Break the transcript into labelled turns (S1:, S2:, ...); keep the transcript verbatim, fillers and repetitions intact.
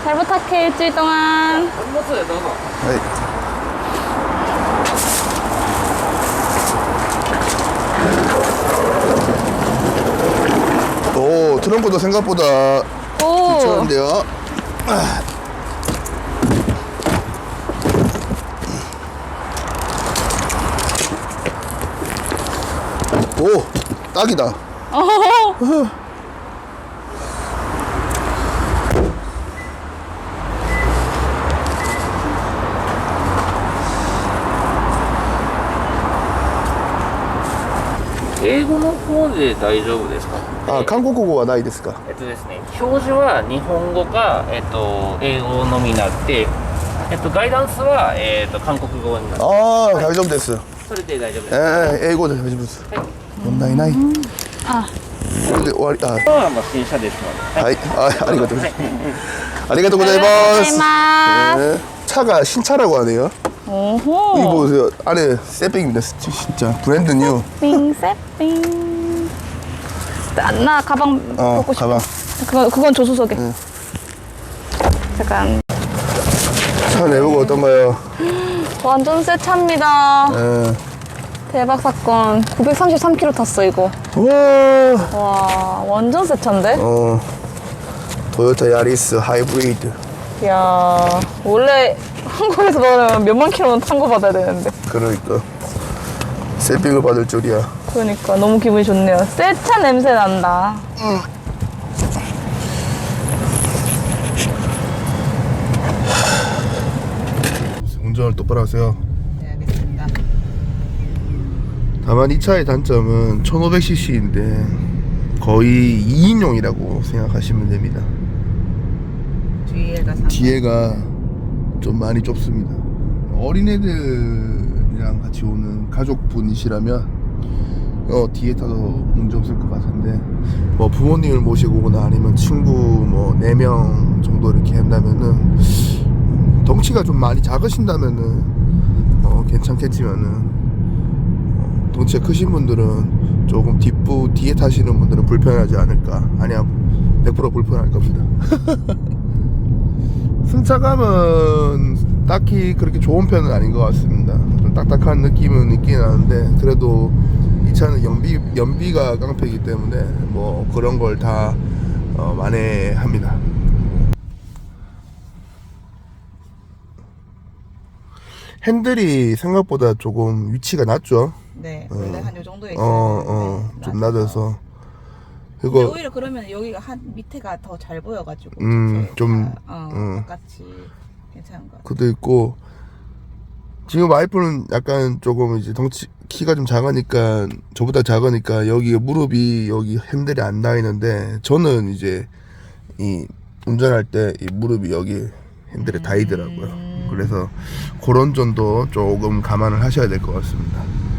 S1: 잘 부탁해, 일주일 동안.
S2: 네. 오, 트렁크도 생각보다
S1: 오.
S2: 괜찮은데요. 오, 딱이다.
S1: 어허허.
S3: 英語の方で大丈夫ですか？
S2: あ、韓国語はないですか？
S3: えっとですね、表示は日本語か、えっと、英語のみになって、えっと、ガイダンスは、えっと、韓国語になって、
S2: ああ、大丈夫です。
S3: それで大丈夫です。
S2: えー、英語で大丈夫です。問題ない。
S1: あ、
S2: これで終わり。あ、
S3: はもう新車ですので。
S2: はい、あ、ありがとうございます。ありがとうございます。
S1: 고자이마스.
S2: 네. 차가 신차라고 하네요.
S1: 오호.
S2: 이거 보세요. 안에 세핑입니다. 진짜 브랜드 뉴.
S1: 세핑, 세핑. 나, 나 가방
S2: 어,
S1: 벗고 싶어.
S2: 가방.
S1: 그건, 그건 조수석에.
S2: 응.
S1: 잠깐.
S2: 차 내보고 어떤가요?
S1: 완전 새 차입니다.
S2: 예.
S1: 대박 사건. 구백삼십삼 킬로미터 탔어, 이거.
S2: 와.
S1: 와, 완전 새 차인데?
S2: 어. 토요타 야리스 하이브리드.
S1: 이야, 원래 한국에서 너는 몇만 킬로는 탄 거 받아야 되는데.
S2: 그러니까 세핑을 받을 줄이야.
S1: 그러니까 너무 기분이 좋네요. 새 차 냄새 난다.
S2: 운전을 똑바로 하세요.
S4: 네, 알겠습니다.
S2: 다만 이 차의 단점은 천오백 씨씨인데 거의 이 인용이라고 생각하시면 됩니다.
S4: 뒤에가 상
S2: 뒤에가 좀 많이 좁습니다. 어린애들이랑 같이 오는 가족분이시라면 어, 뒤에 타도 문제 없을 것 같은데 뭐 부모님을 모시고 오거나 아니면 친구 뭐 네 명 정도 이렇게 한다면은 덩치가 좀 많이 작으신다면은 어, 괜찮겠지만은 어, 덩치가 크신 분들은 조금 뒷부 뒤에 타시는 분들은 불편하지 않을까. 아니야, 백 퍼센트 불편할 겁니다. 승차감은 딱히 그렇게 좋은 편은 아닌 것 같습니다. 좀 딱딱한 느낌은 있긴 하는데 그래도 이 차는 연비, 연비가 깡패이기 때문에 뭐 그런 걸 다 어, 만회합니다. 핸들이 생각보다 조금 위치가 낮죠.
S4: 네, 원래 한 요 정도에 있어요.
S2: 어, 어, 좀 낮아서.
S4: 근데
S2: 이거
S4: 오히려 그러면 여기가 한 밑에가 더 잘 보여가지고
S2: 음,
S4: 전체
S2: 좀,
S4: 다, 어,
S2: 음.
S4: 똑같이 괜찮은 것 같아요.
S2: 그도 있고 지금 와이프는 약간 조금 이제 덩치 키가 좀 작으니까 저보다 작으니까 여기 무릎이 여기 핸들이 안 닿이는데 저는 이제 이 운전할 때 이 무릎이 여기 핸들에 닿이더라고요. 그래서 그런 점도 조금 감안을 하셔야 될 것 같습니다.